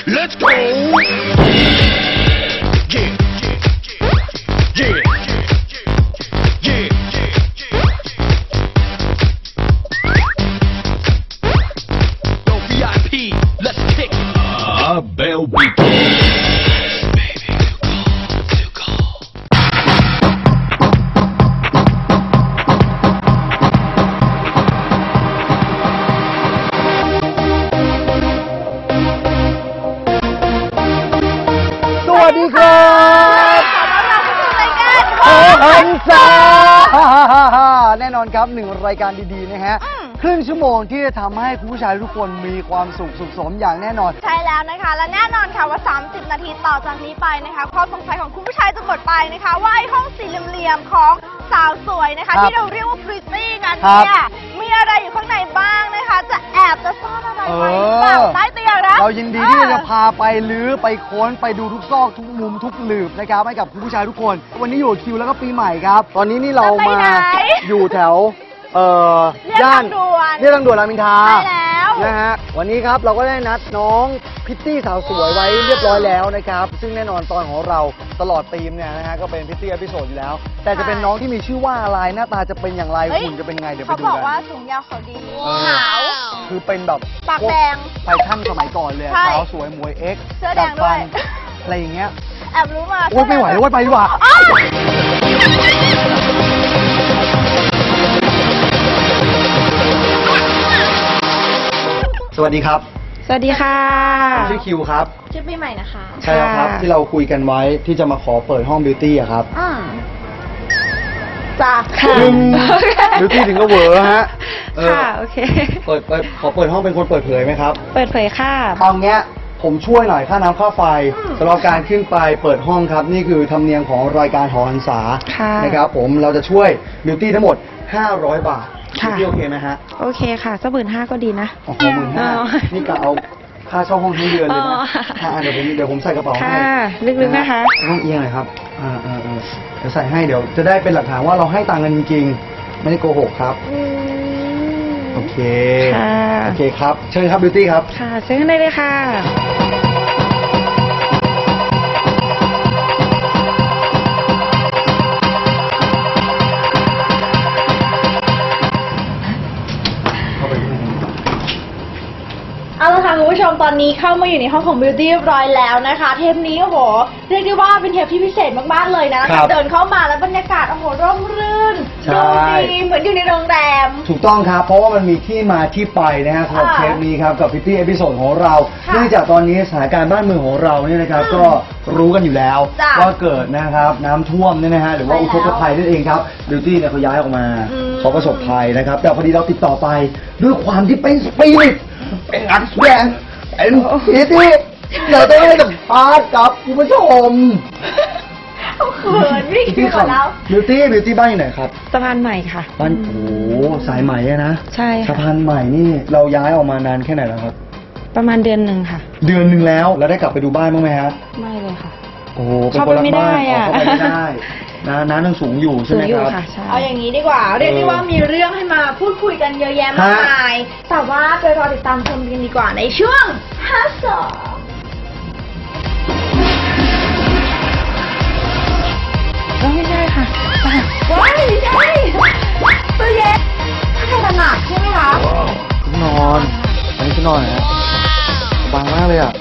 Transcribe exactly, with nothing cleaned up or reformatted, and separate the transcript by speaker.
Speaker 1: Let's go. Yeah, yeah, yeah, yeah, yeah. Yo, V I P, let's kick it. Ah, Bell Beat.
Speaker 2: สวัสดีครับขอหันษาแน่นอนครับหนึ่งรายการดีๆนะฮะครึ่งชั่วโมงที่จะทำให้คุณผู้ชายทุกคนมีความสุขสุขสมอย่างแน่นอน
Speaker 3: ใช่แล้วนะคะและแน่นอนค่ะว่าสามสิบนาทีต่อจากนี้ไปนะคะความสงสัยของคุณผู้ชายจะหมดไปนะคะว่าไอ้ห้องสี่เหลี่ยมๆของสาวสวยนะคะที่เราเรียกว่าพริตตี้นั้นเนี่ยมีอะไรอยู่ข้างในบ้างนะคะจะแอบจะซ่อนอะไรไว้หรือเปล่าใต้เตียงนะ
Speaker 2: เรายินดีที่จะพาไปลื้อไปค้นไปดูทุกซอกทุกมุมทุกหลืบนะครับให้กับคุณผู้ชายทุกคนวันนี้อยู่คิวแล้วก็ปีใหม่ครับตอนนี้นี่เรามาอยู่แถวเอ่อย่านเรียกทางด่วนรามอินทรานะฮะวันนี้ครับเราก็ได้นัดน้องพิตตี้สาวสวยไว้เรียบร้อยแล้วนะครับซึ่งแน่นอนตอนของเราตลอดธีมเนี่ยนะฮะก็เป็นพิตตี้อพิโซดอยู่แล้วแต่จะเป็นน้องที่มีชื่อว่าอะไรหน้าตาจะเป็นอย่างไรหุ่นจะเป็นไงเดี๋ยวไปดูกันเขา
Speaker 3: บอกว่าสูงยาวเขาดีขาว
Speaker 2: คือเป็นแบบ
Speaker 3: ปากแดง
Speaker 2: แฟชั่นสมัยก่อนเลยขาวสวยมวยเอ็กซ์
Speaker 3: เสื้อแดงด้วย
Speaker 2: อะไรอย่างเงี้ย
Speaker 3: แอบรู้มา
Speaker 2: โอ๊ยไม่ไหวแล้วไปดีกว่าสวัสดีครับ
Speaker 3: สวัสดีค่ะ
Speaker 2: ผมชื่อคิวครับ
Speaker 3: ชื่อปีใหม่นะคะ
Speaker 2: ใช่ครับที่เราคุยกันไว้ที่จะมาขอเปิดห้องบิวตี้อะครับ
Speaker 3: อ่าจ้า
Speaker 2: ค่ะบิวตี้ถึงก็เวอร์ฮะ
Speaker 3: ค่ะโอเค
Speaker 2: เปิดเปิดขอเปิดห้องเป็นคนเปิดเผยไหมครับ
Speaker 3: เปิดเผยค่ะ
Speaker 2: ตอนเนี้ยผมช่วยหน่อยค่าน้ำค่าไฟสำหรับการขึ้นไปเปิดห้องครับนี่คือธรรมเนียมของรายการหอหันษานะครับผมเราจะช่วยบิวตี้ทั้งหมดห้าร้อยบาทพี่โอเคไหมฮะ
Speaker 3: โอเคค่ะสักหมื่นห้าก็ดีนะ
Speaker 2: โอ้โหหมื่นห้านี่กะเอาค่าเช่าห้องทั้งเดือนเลยนะเดี๋ยวผมเดี๋ยวผมใส่กระเป๋าให้
Speaker 3: ลึกๆนะคะ
Speaker 2: ห้องเอียงหน่อยครับอ่าอ่าอ่าเดี๋ยวใส่ให้เดี๋ยวจะได้เป็นหลักฐานว่าเราให้ตังค์กันจริงๆไม่ได้โกหกครับโอเคโอเคครับเชิญครับบิวตี้ครับ
Speaker 3: ค่ะเชิญได้เลยค่ะเอาละค่ะคุณผู้ชมตอนนี้เข้ามาอยู่ในห้องของ Beauty เรียบร้อยแล้วนะคะเทปนี้โอ้โหเรียกได้ว่าเป็นเทปที่พิเศษมากๆเลยนะเดินเข้ามาแล้วบรรยากาศโอ้โหร่มรื่นดูดีเหมือนอยู่ในโรงแรม
Speaker 2: ถูกต้องครับเพราะว่ามันมีที่มาที่ไปนะฮะสำหรับเทปนี้ครับกับ Beauty เอพิโซดของเราเนื่องจากตอนนี้สถานการณ์บ้านเมืองของเราเนี่ยนะครับก็รู้กันอยู่แล้วว่าเกิดนะครับน้ำท่วมเนี่ยนะฮะหรือว่าอุทกภัยนั่นเองครับ Beauty เนี่ยเขาย้ายออกมาเขาประสบภัยนะครับแต่พอดีเราติดต่อไปด้วยความที่เป็นสปิริตเป็นอักแสดงเป็นพิตตี้เราต้องให้สัมภาษณ์กับคุณผู้ชม
Speaker 3: เขินไม่คิดก่อนแล้ว
Speaker 2: บิวตี้บิวตี้บ้านอยู่ไหนครับ
Speaker 3: สะพานใหม่ค่ะ
Speaker 2: บ้านโอ้สายใหม่นะ
Speaker 3: ใช่
Speaker 2: สะพานใหม่นี่เราย้ายออกมานานแค่ไหนแล้วครับ
Speaker 3: ประมาณเดือนหนึ่งค่ะ
Speaker 2: เดือนหนึ่งแล้วแล้วได้กลับไปดูบ้านบ้างไหมครับ
Speaker 3: ไม่เลยค่ะ
Speaker 2: โอ้เป็นคนรักบ้านเขาไปไม่ได้นะน้ำยังสูงอยู่ใช่ไหมครับ
Speaker 3: เอาอย่างนี้ดีกว่าเรียกได้ว่ามีเรื่องให้มาพูดคุยกันเยอะแยะมากมายแต่ว่าไปรอติดตามชมกันดีกว่าในช่วงฮัสโซไม่ใช่ค่ะว้ายไม่ใช่ตัวเย็นถ้าจะหนักใช่ไหมคะ
Speaker 2: นอนอันนี้คือนอนนะบางมากเลยอ่ะ